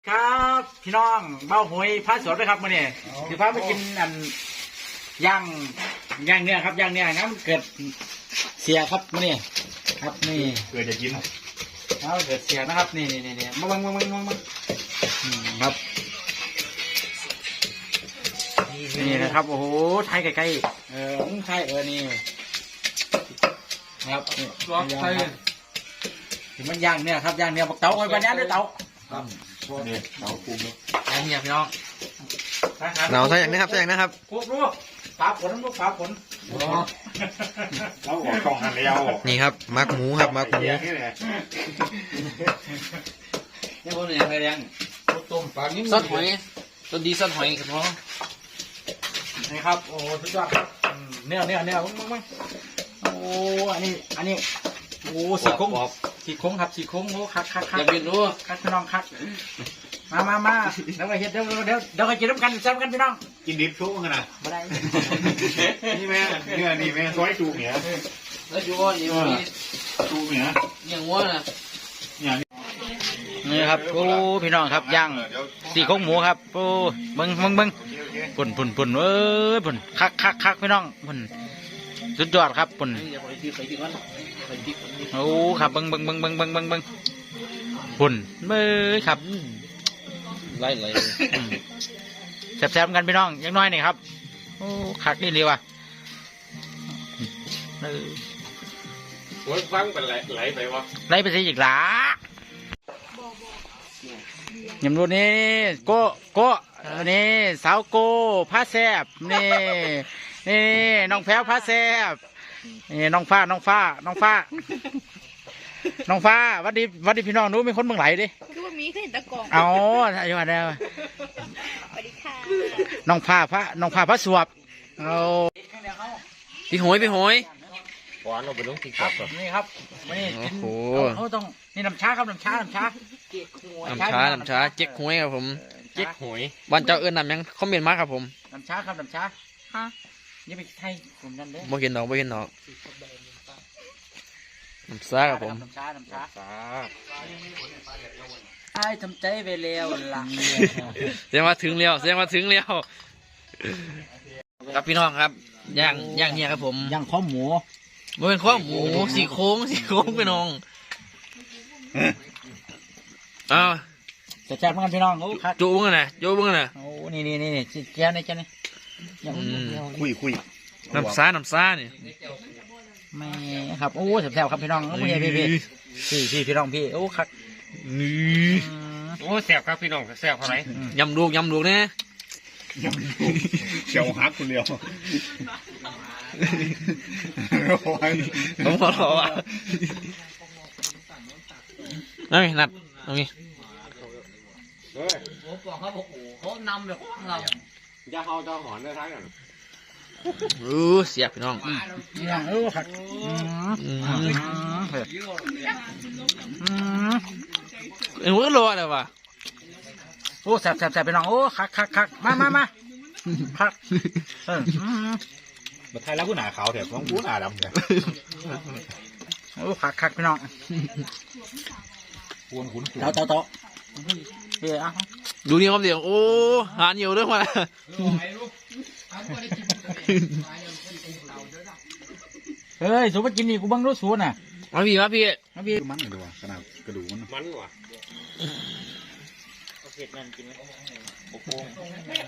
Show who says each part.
Speaker 1: ครับพี่น้องเบ้าหวยพระสวนไปครับมื่อนี้คือพาไปกินอันย่างเนื้อครับย่างเนื้องั้นมันเกิดเสียครับมื่อนี้ครับนี่
Speaker 2: เกิดจะกิน
Speaker 1: เอาเกิดเสียนะครับนี่มาบังครับนี่นะครับโอ้โหไทยใกล้ๆไทยนี่ครับล็อกไทยถึงมันย่างเนี่ยครับย่างเนี่ยบอกเต๋าไอ้บ้านนี้ด้วยเต๋า
Speaker 2: นี่เต๋าปู
Speaker 1: ย่างเนี่ยพี่น้อง
Speaker 3: หนาวใช่อย่างนี้ครับใช่อย่างนี้ครับ
Speaker 1: พวกลูกฝาผลลูกฝาผล
Speaker 2: เราออกกล่องหันแล้ว
Speaker 3: นี่ครับมักหมูครับมักหมู
Speaker 1: นี่พวกนี้อะไรยังต้มปลานิ่ม
Speaker 4: ซอสหอยตัวดีซอสหอยครับน้อง
Speaker 1: นี่ครับโอ้สุดยอดครับเนื้อมึงโอ้อันนี้โอ้สี่โค้งครับสี่โค้งโอ้คัก
Speaker 4: อย่าเปลี่ยนรู้
Speaker 1: คักพี่น้องคักมาแล้วไปเฮ็ดเดี๋ยวกินน้ำกันแซ่บกันพี่น้อง
Speaker 2: กินดิบชุบกันนะ
Speaker 1: ไม่ได้
Speaker 2: นี่แม่เนี่ยนี่แม่ซอยจูเหนีย
Speaker 4: แล้วอยู่ว่านี่
Speaker 2: จูเหนีย
Speaker 4: อย่างว่านะ
Speaker 1: นี่ครับโอ้พี่น้องครับย่างสี่โค้งหมูครับโอ้เบิ้งปุ่นเอ้ยปุ่นคักพี่น้องปุ่นสุดยอดครับปุ่นโอ้ครับเบิ้งปุ่นเบ้อครับ
Speaker 4: ไล่
Speaker 1: แซ่บๆกันพี่น้องยังน้อยนี่ครับโอ้คักนี่เลยว่ะ
Speaker 2: โอ้ยฟังเป็นไหลไปวะ
Speaker 1: ไหลไปสิอีกหลายำรูนี่โก้นี่สาวโก้ผ้าแซบนี่น้องแพ้วผ้าแซบนี่น้องฟ้าวัดดีพี่น้องนู้มีคนเมืองไหลดิ
Speaker 5: คือว่ามีเคยเห็นตะกอง
Speaker 1: อ๋ออายุอะไรส
Speaker 5: วัสดีค่ะ
Speaker 1: น้องผ้าพระสวบเอา
Speaker 4: พี่หอยหวานเราไปลงติ๊กต็อก
Speaker 1: นี่ครับนี่กินเขาต้องนี่น้ำชาครับน้ำชา
Speaker 4: เจ๊กหวยครับผมเจ๊กหวยบ้านเจ้าเอิญนำยังคอมเมนต์มาครับผม
Speaker 1: น้ำชาครับน้ำชาฮะนี่ไปไทยผมนั่นเลย
Speaker 4: บ่เห็นหนอกน้ำซาครับผม
Speaker 1: น้ำชาไอ้ทำใจไปแล้วล่ะ
Speaker 4: แสดงว่าถึงแล้วครับพี่น้องครับย่างเนี่ยครับผม
Speaker 1: ย่างข้อหมู
Speaker 4: มันเป็นข้อหมูสี่โค้งพี่น้องอ้าว
Speaker 1: จะแซ่บเหมือนกันพี่น้องโอ้ครับ
Speaker 4: จูบ้างนะ
Speaker 1: โอ้นี่เจ้านี่
Speaker 2: คุย
Speaker 4: น้ำซาเนี่ย
Speaker 1: ไม่ครับโอ้แซ่บครับพี่น้องพี่พี่น้องพี่โอ้ครับ
Speaker 4: นี่
Speaker 2: โอ้แซ่บครับพี่น้องแซ่บเท่าไหร่
Speaker 4: ยำลูกเนี่ย
Speaker 2: เชียวฮักคนเดียว
Speaker 4: ผมขอรอว่ะนั่นนัดตรงนี้
Speaker 5: เขานำแบบเรา
Speaker 2: จะเอาเจ้าหอนได้ทั้งนั้น
Speaker 4: เสียบพี่น้อง
Speaker 1: ครับ
Speaker 4: เอ็งก็รอเลยว่ะ
Speaker 1: โอ้แซ่บพี่น้องโอ้คักมาคัก
Speaker 2: มาไทยแล้วกูหนาขาวแถบต้องกูหนาดำเลย
Speaker 1: โอ้คักพี่น้อง
Speaker 2: ขุน
Speaker 1: เตา
Speaker 4: ดูนี่ครับเดี๋ยวโอ้หาเหนียวด้วยว่ะ
Speaker 1: เฮ้ยสูบไปกินนี่กูบังรู้สูน่ะ
Speaker 4: มาพี่
Speaker 2: มันเลยดูว่ะขนาดกระดูกมันว่ะ
Speaker 1: เผ็ดนั่นกินไหม